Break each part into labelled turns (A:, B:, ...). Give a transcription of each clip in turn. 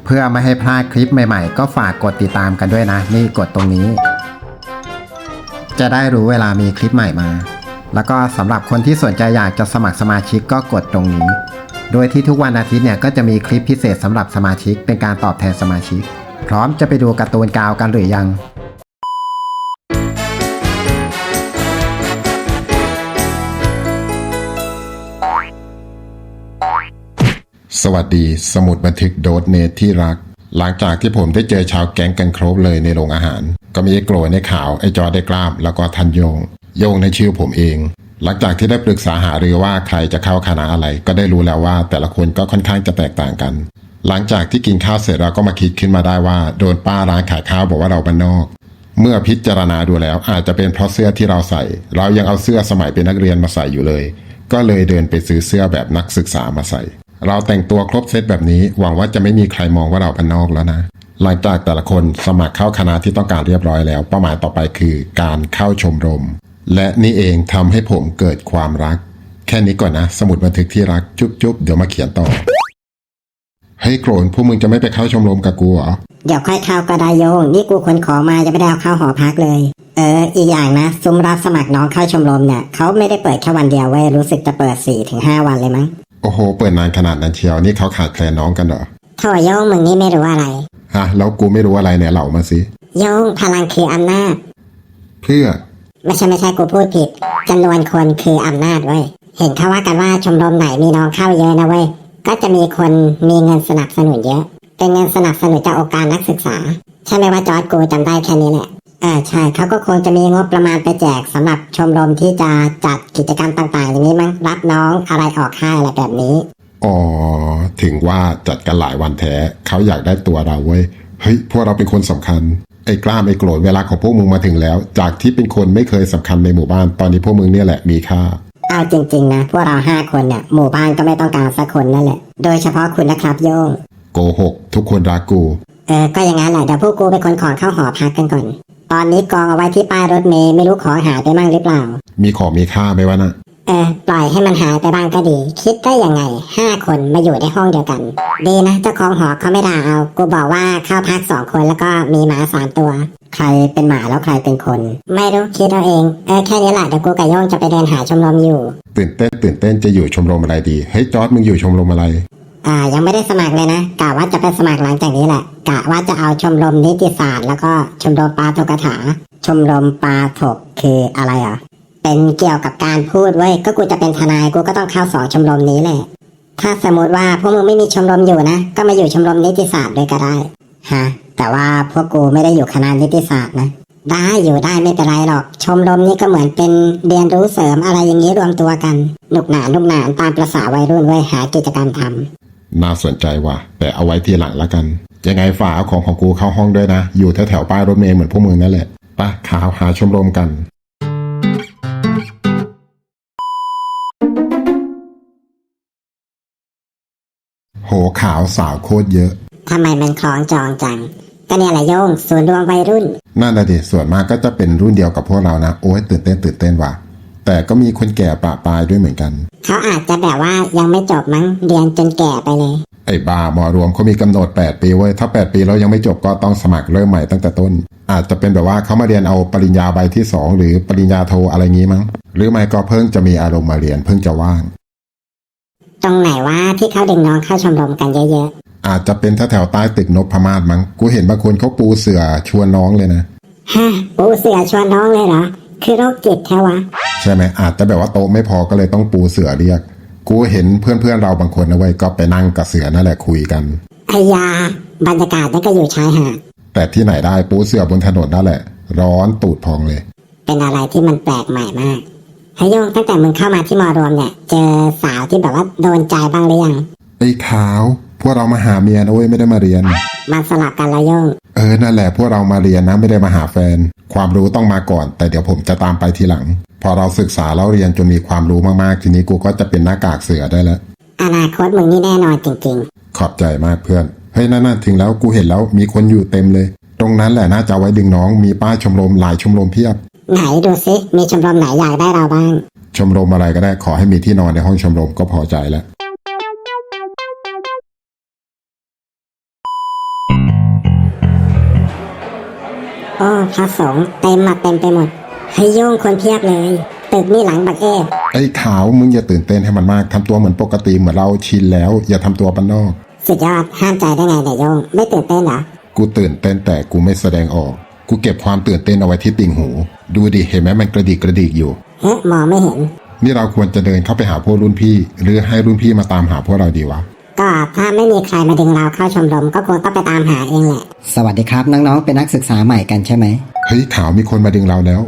A: เพื่อไม่ให้พลาดคลิปใหม่ๆก็ฝากกดติดตามกันด้วยนะนี่กดตรงนี้จะได้รู้เวลามีคลิปใหม่มาแล้วก็สำหรับคนที่สนใจอยากจะสมัครสมาชิกก็กดตรงนี้โดยที่ทุกวันอาทิตย์เนี่ยก็จะมีคลิปพิเศษสำหรับสมาชิกเป็นการตอบแทนสมาชิกพร้อมจะไปดูการ์ตูนกาวกันหรือยัง
B: สวัสดีสมุดบันทึกโดดเนทที่รักหลังจากที่ผมได้เจอชาวแก๊งกันครบเลยในโรงอาหารก็มีไอ้โกรธในข่าวไอ้จอได้กล้ามแล้วก็ทันโยงในชื่อผมเองหลังจากที่ได้ปรึกษาหารือว่าใครจะเข้าคณะอะไรก็ได้รู้แล้วว่าแต่ละคนก็ค่อนข้างจะแตกต่างกันหลังจากที่กินข้าวเสร็จเราก็มาคิดขึ้นมาได้ว่าโดนป้าร้านขายข้าวบอกว่าเราบ้านนอกเมื่อพิจารณาดูแล้วอาจจะเป็นเพราะเสื้อที่เราใส่เรายังเอาเสื้อสมัยเป็นนักเรียนมาใส่อยู่เลยก็เลยเดินไปซื้อเสื้อแบบนักศึกษามาใส่เราแต่งตัวครบเซตแบบนี้หวังว่าจะไม่มีใครมองว่าเราเป็นนอกแล้วนะหลังจากแต่ละคนสมัครเข้าคณะที่ต้องการเรียบร้อยแล้วเป้าหมายต่อไปคือการเข้าชมรมและนี่เองทำให้ผมเกิดความรักแค่นี้ก่อนนะสมุดบันทึกที่รักจุ๊บเดี๋ยวมาเขียนต่อเฮ้ยโกรนพวกมึงจะไม่ไปเข้าชมรมกับกูเหรอ
C: เดี๋ยวค่อยเข้าก็ได้โยงนี่กูขนของมาจะไม่ได้เอาเข้าหอพักเลยอีกอย่างนะซุ้มรับสมัครน้องเข้าชมรมเนี่ยเขาไม่ได้เปิดแค่วันเดียวเว้ยรู้สึกจะเปิด 4-5 วันเลยมั้ง
B: โอ้โหเปิดนานขนาดนั้นเชียวนี่เขาขาดแคลนน้องกันเหรอ
C: โถ่โยงมึงนี่ไม่รู้อะไร
B: ฮะแล้วกูไม่รู้อะไรเนี่ยเล่ามาสิ
C: โยงพลังคืออำนาจ
B: เพื่อ
C: ไม่ใช่กูพูดผิดจำนวนคนคืออำนาจเว้ยเห็นเขาว่ากันว่าชมรมไหนมีน้องเข้าเยอะนะเว้ยก็จะมีคนมีเงินสนับสนุนเยอะเป็นเงินสนับสนุนจากองค์การนักศึกษาใช่ไหมว่าจอร์จกูจำได้แค่นี้แหละใช่เขาก็คงจะมีงบประมาณไปแจกสำหรับชมรมที่จะจัดกิจกรรมต่างๆอย่างนี้มั้งรับน้องอะไรออกค่ายอะไรแบบนี้
B: อ๋อถึงว่าจัดกันหลายวันแท้เขาอยากได้ตัวเราเว้ยเฮ้ยพวกเราเป็นคนสำคัญไอ้กล้ามไอ้โกรธเวลาของพวกมึงมาถึงแล้วจากที่เป็นคนไม่เคยสำคัญในหมู่บ้านตอนนี้พวกมึงเนี่ยแหละมีค่า
C: เอาจริงๆนะพวกเรา5 คนเนี่ยหมู่บ้านก็ไม่ต้องการสักคนนั่นแหละโดยเฉพาะคุณนะครับโยง
B: โกหกทุกคนรักกู
C: ก็อย่างนั้นแหละเดี๋ยวพวกกูไปขนของเข้าหอพักกันก่อนตอนนี้กองเอาไว้ที่ป้ายรถเมล์ไม่รู้ของหายไปมั่งหรือเปล่า
B: มีของมีค่าไหมวะนะ
C: ปล่อยให้มันหายไปบ้างก็ดีคิดได้ยังไง5 คนมาอยู่ในห้องเดียวกันดีนะเจ้าของหอเขาไม่ด่าเอากูบอกว่าเข้าพัก2 คนแล้วก็มีหมา3 ตัวใครเป็นหมาแล้วใครเป็นคนไม่รู้คิดเอาเองแค่นี้แหละเดี๋ยวกูกับโย่งจะไปเดินหาชมรมอยู่
B: ตื่นเต้นจะอยู่ชมรมอะไรดีเฮ้ยจอร์จมึงอยู่ชมรมอะไร
C: ยังไม่ได้สมัครเลยนะกะว่าจะไปสมัครหลังจากนี้แหละกะว่าจะเอาชมรมนิติศาสตร์แล้วก็ชมรมปาฐกถาชมรมปาฐกคืออะไรเป็นเกี่ยวกับการพูดเว้ยก็กูจะเป็นทนายกูก็ต้องเข้า2 ชมรมนี้แหละถ้าสมมติว่าพวกมึงไม่มีชมรมอยู่นะก็มาอยู่ชมรมนิติศาสตร์ด้วยก็ได้ฮะแต่ว่าพวกกูไม่ได้อยู่คณะนิติศาสตร์นะได้อยู่ได้ไม่เป็นไรหรอกชมรมนี้ก็เหมือนเป็นเรียนรู้เสริมอะไรอย่างนี้รวมตัวกันหนุกหนานตามประสาวัยรุ่นไว้หากิจกรรมทำ
B: น่าสนใจว่ะแต่เอาไว้ทีหลังละกันยังไงฝากเอาของกูเข้าห้องด้วยนะอยู่แถวป้ายรถเมล์เหมือนพวกมึงนั่นแหละไปข่าวหาชมรมกันโหขาวสาวโคตรเยอะ
C: ทำไมมันคล้องจองจังก็เนี่ยแหละโยงส่วนรวมวัยรุ่น
B: นั่นแหละดิส่วนมากก็จะเป็นรุ่นเดียวกับพวกเรานะโอ้ยตื่นเต้นว่ะแต่ก็มีคนแก่ประปรายด้วยเหมือนกัน
C: เขาอาจจะแบบว่ายังไม่จบมั้งเรียนจนแก่ไปเลย
B: ไอ้บ้ามอรวมเขามีกำหนด8 ปีเว้ยถ้า8 ปีแล้วยังไม่จบก็ต้องสมัครเริ่มใหม่ตั้งแต่ต้นอาจจะเป็นแบบว่าเขามาเรียนเอาปริญญาใบที่2หรือปริญญาโทอะไรงี้มั้งหรือไม่ก็เพิ่งจะมีอารมณ์มาเรียนเพิ่งจะว่าง
C: ตรงไหนว่าที่เขาดึงน้องเข้าชมรมกันเยอะ
B: ๆอาจจะเป็นแถวใต้ตึกนพมาศมั้งกูเห็นบางคนเขาปูเสื่อชวนน้องเลยนะ
C: ฮะปูเสื่อชวนน้องเลยเหรอคือโรคจิตแท้วะ
B: ใช่ไหมอาจจะแบบว่าโต๊ะไม่พอก็เลยต้องปูเสื่อเรียกกูเห็นเพื่อนเราบางคนนะเว้ยก็ไปนั่งกับเสือนั่นแหละคุยกัน
C: ไอ้ยาบรรยากาศนั่นก็อยู่ชายหาด
B: แต่ที่ไหนได้ปูเสื่อบนถนนนั่นแหละร้อนตูดพองเลย
C: เป็นอะไรที่มันแปลกใหม่มากเฮ้ยโยงตั้งแต่มึงเข้ามาที่มอรวมเนี่ยเจอสาวที่แบบว่าโดนใจบ้างหรือยัง
B: ไอ้ขาวพวกเรามาหาเมียนะเว้ยไม่ได้มาเรียน
C: มาสลับกันละโยง
B: นั่นแหละพวกเรามาเรียนนะไม่ได้มาหาแฟนความรู้ต้องมาก่อนแต่เดี๋ยวผมจะตามไปทีหลังพอเราศึกษาแล้วเรียนจนมีความรู้มากๆทีนี้กูก็จะเป็นหน้ากากเสือได้แล้ว
C: อนาคตมึงนี่แน่นอนจริง
B: ๆขอบใจมากเพื่อนเฮ้ยนั่นถึงแล้วกูเห็นแล้วมีคนอยู่เต็มเลยตรงนั้นแหละน่าจะไว้ดึงน้องมีป้ายชมรมหลายชมรมเพียบ
C: ไหนดูซิมีชมรมไหนอยากได้เราบ้าง
B: ชมรมอะไรก็ได้ขอให้มีที่นอนในห้องชมรมก็พอใจแล้ว
C: โอ้พระสงฆ์เต็มไปหมดให้โยงคนเพียบเลยตึกนี่หลังบักเอฟ
B: ไอ้ขาวมึงอย่าตื่นเต้นให้มันมากทำตัวเหมือนปกติเหมือนเราชินแล้ว อย่าทำตัวบ้านนอก
C: สุดยอดห้ามใจได้ไงเนี่ยโยงไม่ตื่นเต้นเหรอ
B: กูตื่นเต้นแต่กูไม่แสดงออก กูเก็บความตื่นเต้นเอาไว้ที่ติ่งหู ดูดิเห็นไหมมันกระดิกอยู่
C: เฮ้มองไม่เห็น
B: นี่เราควรจะเดินเข้าไปหาพวกรุ่นพี่ หรือให้รุ่นพี่มาตามหาพวกเราดีวะ
C: ก็ถ้าไม่มีใครมาดึงเราเข้าชมรมก็คงต้องไปตามหาเองแหละ
A: สวัสดีครับน้องๆเป็นนักศึกษาใหม่กันใช่ไหม
B: เฮ้ยขาวมีคนมาดึงเราแล้ว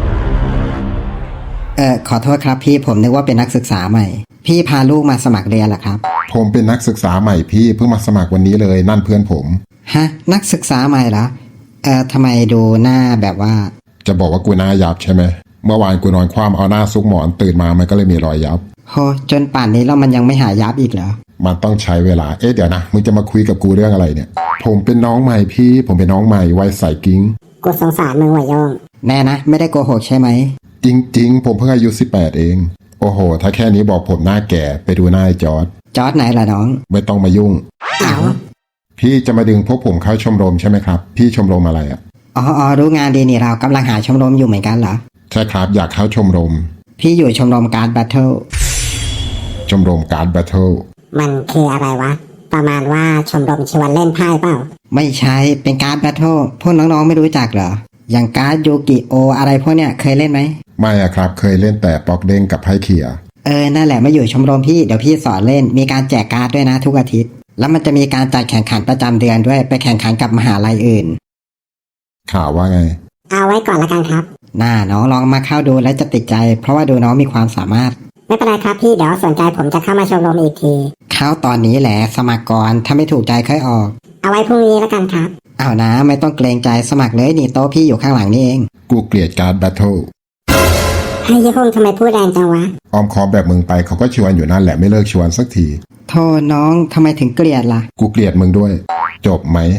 A: ขอโทษครับพี่ผมนึกว่าเป็นนักศึกษาใหม่ พี่พาลูกมาสมัครเรียนเหรอครับ
B: ผมเป็นนักศึกษาใหม่พี่เพิ่งมาสมัครวันนี้เลยนั่นเพื่อนผม
A: ฮะนักศึกษาใหม่เหรอทำไมดูหน้าแบบว่า
B: จะบอกว่ากูหน้ายับใช่ไหมเมื่อวานกูนอนคว่ำเอาหน้าซุกหมอนตื่นมามันก็เลยมีรอยยับ
A: โหจนป่านนี้แล้วมันยังไม่หายับอีกเหรอ
B: มันต้องใช้เวลาเดี๋ยวนะมึงจะมาคุยกับกูเรื่องอะไรเนี่ย ผมเป็นน้องใหม่พี่ผมเป็นน้องใหม่วัยใสกิ้ง
C: กูสงสารมึงว่ะโยง
A: แน่นะไม่ได้โกหกใช่ไหม
B: จริงๆผมเพิ่งอายุ18เองโอ้โหถ้าแค่นี้บอกผมหน้าแก่ไปดูหน้าไอ้จอร์ด
A: จอร์ดไหนล่ะน้อง
B: ไม่ต้องมายุ่ง
C: เอา
B: พี่จะมาดึงพวกผมเข้าชมรมใช่ไหมครับพี่ชมรมอะไรอ่ะ
A: อ๋อรู้งานดีนี่เรากำลังหาชมรมอยู่เหมือนกันเหรอ
B: ใช่ครับอยากเข้าชมรม
A: พี่อยู่ชมรมการ์ดแบทเทิล
B: ชมรมการ์ดแบทเทิล
C: มันคืออะไรวะประมาณว่าชมรมชวนเล่นไพ่เปล่า
A: ไม่ใช่เป็นการ์ดแบทเทิลพวกน้องๆไม่รู้จักเหรออย่างการ์ดยูกิโออะไรพวกเนี้ยเคยเล่นไหม
B: ไม่อะครับเคยเล่นแต่ปอกเด้งกับไพ่เขี่ย
A: นั่นแหละมาอยู่ชมรมพี่เดี๋ยวพี่สอนเล่นมีการแจกการ์ดด้วยนะทุกอาทิตย์แล้วมันจะมีการจัดแข่งขันประจำเดือนด้วยไปแข่งขันกับมหาลัยอื่น
B: ข่าวว่าไง
C: เอาไว้ก่อนละกันครับ
A: น่าน้องลองมาเข้าดูแล้วจะติดใจ เพราะว่าดูน้องมีความสามารถ
C: ไม่เป็นไรครับพี่เดี๋ยวสนใจผมจะเข้ามาชมรมอีกที
A: เข้าตอนนี้แหละสมัครก่อนถ้าไม่ถูกใจค่อยออก
C: เอาไว้พรุ่งนี้ละกันครับ
A: เอานะไม่ต้องเกรงใจสมัครเลยนี่โต๊ะพี่อยู่ข้างหลังนี่เอง
B: กูเกลียดการ์ดแบทเทิล
C: ให้โยงทำไมพูดแรงจังวะ
B: ออมคอมแบบมึงไปเขาก็ชวนอยู่นั่นแหละไม่เลิกชวนสักที
A: โทษน้องทำไมถึงเกลียดล่ะ
B: กูเกลียดมึงด้วย จบไหม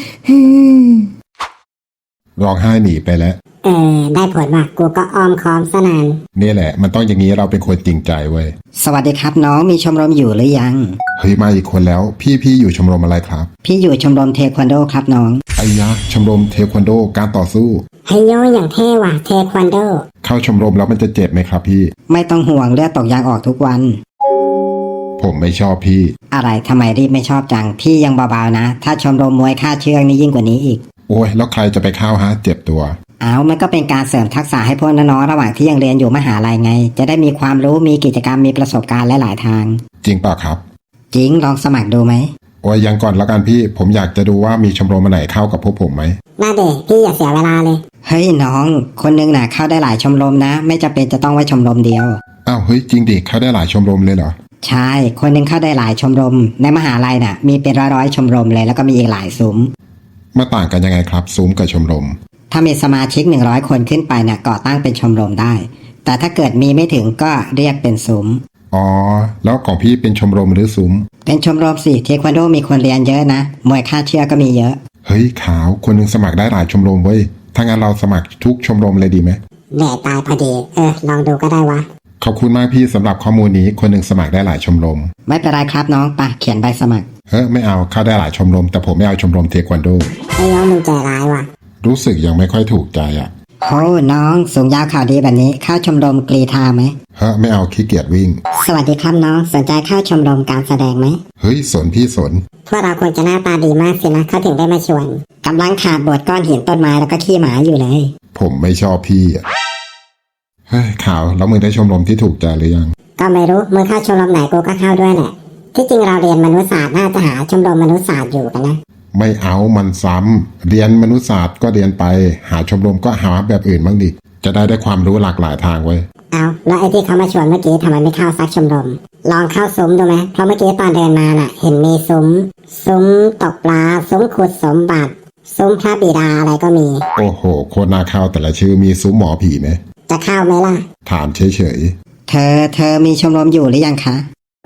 B: ร้องไห้หนีไปแล้ว
C: ได้ผลว่ะกูก็อ้อมค้อมซะนาน
B: นี่แหละมันต้องอย่างนี้เราเป็นคนจริงใจเว้ย
A: สวัสดีครับน้องมีชมรมอยู่หรือยัง
B: เฮ้ยมาอีกคนแล้วพี่อยู่ชมรมอะไรครับ
A: พี่อยู่ชมรมเทควันโดครับน้อง
B: ไอ้ยะชมรมเทควันโดการต่อสู้
C: ให้โยงอย่างเท่ว่ะเทควันโด
B: เข้าชมรมแล้วมันจะเจ็บไหมครับพี่
A: ไม่ต้องห่วงเลือดตกยางออกทุกวัน
B: ผมไม่ชอบพี่
A: อะไรทำไมรีบไม่ชอบจังพี่ยังเบาๆนะ ถ้าชมรมมวยค่าเชือกนี่ยิ่งกว่านี้อีก
B: โอ้ยแล้วใครจะไปเข้าฮะเจ็บตัว
A: เอามันก็เป็นการเสริมทักษะให้พวกน้องๆระหว่างที่ยังเรียนอยู่มหาลัยไง จะได้มีความรู้มีกิจกรรมมีประสบการณ์หลายๆทาง
B: จริงเปล่าครับ
A: จริงลองสมัครดูไหม
B: โอ้ยยังก่อนละกันพี่ผมอยากจะดูว่ามีชมรมอันไหนเข้ากับพวกผมไหม
C: น่าเด็กพี่อย่าเสียเวลาเลย
A: เฮ้ยน้องคนนึงน่ะเข้าได้หลายชมรมนะ ไม่จำเป็นจะต้องไว้ชมรมเดียว
B: อ้าวเฮ้ยจริงดิเข้าได้หลายชมรมเลยเหรอ
A: ใช่คนหนึงเข้าได้หลายชมรม ในมหาลัยน่ะมีเป็นร้อยๆชมรมเลยแล้วก็มีอีกหลายซุ้ม
B: มาต่างกันยังไงครับซุ้มกับชมรม
A: ถ้ามีสมาชิก100คนขึ้นไปน่ะก่อตั้งเป็นชมรมได้ แต่ถ้าเกิดมีไม่ถึงก็เรียกเป็นซุ้ม
B: อ๋อแล้วของพี่เป็นชมรมหรือซุ้ม
A: เป็นชมรมสิเทควันโดมีคนเรียนเยอะนะมวยค่าเชือกก็มีเยอะ
B: เฮ้ยขาวคนหนึงสมัครได้หลายชมรมเว้ยถ้างั้นเราสมัครทุกชมรมเลยดีไหม
C: แหน่ตายพอดีลองดูก็ได้วะ
B: ขอบคุณมากพี่สำหรับข้อมูลนี้คนหนึงสมัครได้หลายชมรม
A: ไม่เป็นไรครับน้องปะเขียนใบสมัคร
B: ไม่เอาเข้าได้หลายชมรมแต่ผมไม่เอาชมรมเทควันโด
C: ไอ้โยงมึงใจร้ายว่ะ
B: รู้สึกยังไม่ค่อยถูกใจอ่ะ
A: โอ้น้องสูงยาวข่าวดีแบบนี้เข้าชมรมกรีธาไหม
B: ไม่เอาขี้เกียจวิ่ง
C: สวัสดีครับน้องสนใจเข้าชมรมการแสดงไหม
B: เฮ้ยสนพี่สน
C: พวกเราควรจะหน้าตาดีมากสินะเขาถึงได้มาชวนกำลังขาดบทก้อนหินต้นไม้แล้วก็ขี้หมาอยู่เลย
B: ผมไม่ชอบพี่อะเฮ้ยข่าวแล้วมึงได้ชมรมที่ถูกใจหรือยัง
C: ก็ไม่รู้มึงเข้าชมรมไหนกูก็เข้าด้วยแหละที่จริงเราเรียนมนุษยศาสตร์น่าจะหาชมรมมนุษยศาสตร์อยู่กันนะ
B: ไม่เอามันซ้ำเรียนมนุษยศาสตร์ก็เรียนไป หาชมรมก็หาแบบอื่นบ้างดิจะได้ความรู้หลากหลายทางไว้ย
C: เอาแล้วไอ้ที่เขามาชวนเมื่อกี้ทำไมไม่เข้าซักชมรมลองเข้าซุ้มดูไหมเพราะเมื่อกี้ตอนเดินมาน่ะ เห็นมีซุ้มตกปลาซุ้มขุดสมบัติซุ้มพระบิดาอะไรก็มี
B: โอ้โหโคตรน่าเข้าแต่ละชื่อมีซุ้มหมอผีไหม
C: จะเข้าไหมล่ะ
B: ถามเฉย
A: เธอมีชมรมอยู่หรือยังคะ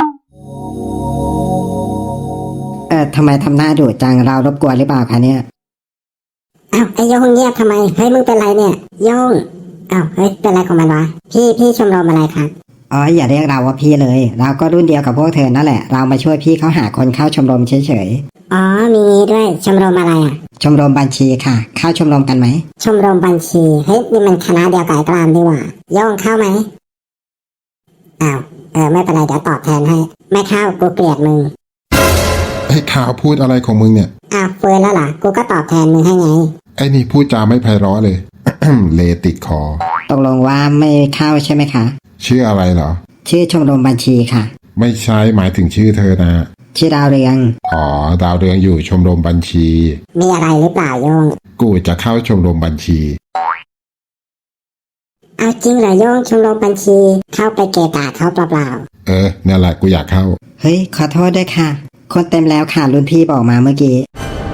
A: ทำไมทำหน้าดุจังเรารบกวนหรือเปล่าคะเนี่ย
C: อ้าวไอ้โยงเงียบทำไมเฮ้ยมึงเป็นไรเนี่ยโยงอ้าวเฮ้ยเป็นไรของมันวะพี่ชมรมอะไรครับ
A: อ๋ออย่าเรียกเราว่าพี่เลย เราก็รุ่นเดียวกับพวกเธอนั่นแหละเรามาช่วยพี่เขาหาคนเข้าชมรมเฉย
C: อ๋อมีงี้นี้ด้วยชมรมอะไรอ่ะ
D: ชมรมบัญชีค่ะ เข้าชมรมกันไหม
C: ชมรมบัญชีเฮ้ยนี่มันคณะเดียวกับไอ้กรามดีหว่าโย่งเข้าไหมอ้าวไม่เป็นไรเดี๋ยวตอบแทนให้ไม่เข้ากูเกลียดมึง
B: ไอ้ข่าวพูดอะไรของมึงเนี่ย
C: อ้าวฟื้นแล้วเหรอกูก็ตอบแทนมึงให้ไง
B: ไอ้นี่พูดจาไม่ไพเราะเลย เลติดคอ
D: ตกลงว่าไม่เข้าใช่ไหมคะ
B: ชื่ออะไรเหรอ
D: ชื่อชมรมบัญชีค่ะ
B: ไม่ใช่หมายถึงชื่อเธอนะ
D: ชื่อดาวเรือง
B: อ๋อดาวเรืองอยู่ชมรมบัญชี
C: มีอะไรหรือเปล่าโย่ง
B: กูจะเข้าชมรมบัญชี
C: เอาจริงเหรอโย่งชมรมบัญชีเข้าไปเกะกะเขาเปล่า
B: นั่นแหละกูอยากเข้า
D: เฮ้ยขอโทษด้วยค่ะ คนเต็มแล้วค่ะรุ่นพี่บอกมาเมื่อกี้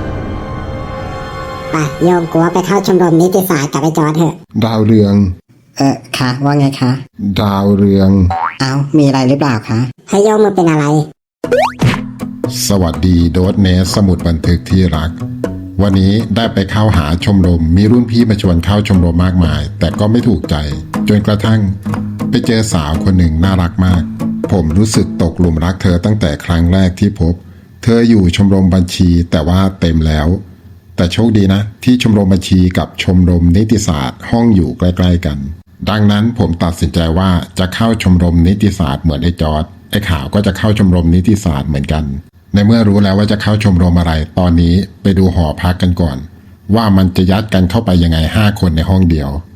C: ๆไปโย่งกูว่าไปเข้าชมรมนิติศาสตร์กับไอ้จอร์จเถอะ
B: ดาวเรือง
D: ค่ะว่าไงคะ
B: ดาวเรือง
D: เอามีอะไรหรือเปล่าคะ
C: ให้โย่งมึงเป็นอะไร
B: สวัสดีโดสเนสสมุดบันทึกที่รัก วันนี้ได้ไปเข้าหาชมรมมีรุ่นพี่มาชวนเข้าชมรมมากมาย แต่ก็ไม่ถูกใจ จนกระทั่ง ไปเจอสาวคนหนึ่งน่ารักมาก ผมรู้สึกตกหลุมรักเธอตั้งแต่ครั้งแรกที่พบ เธออยู่ชมรมบัญชีแต่ว่าเต็มแล้ว แต่โชคดีนะ ที่ชมรมบัญชีกับชมรมนิติศาสตร์ห้องอยู่ใกล้ๆกัน ดังนั้นผมตัดสินใจว่าจะเข้าชมรมนิติศาสตร์เหมือนไอ้จอร์ดไอ้ขาวก็จะเข้าชมรมนิติศาสตร์เหมือนกัน ในเมื่อรู้แล้วว่าจะเข้าชมรมอะไร ตอนนี้ไปดูหอพักกันก่อน ว่ามันจะยัดกันเข้าไปยังไง5 คนในห้องเดียว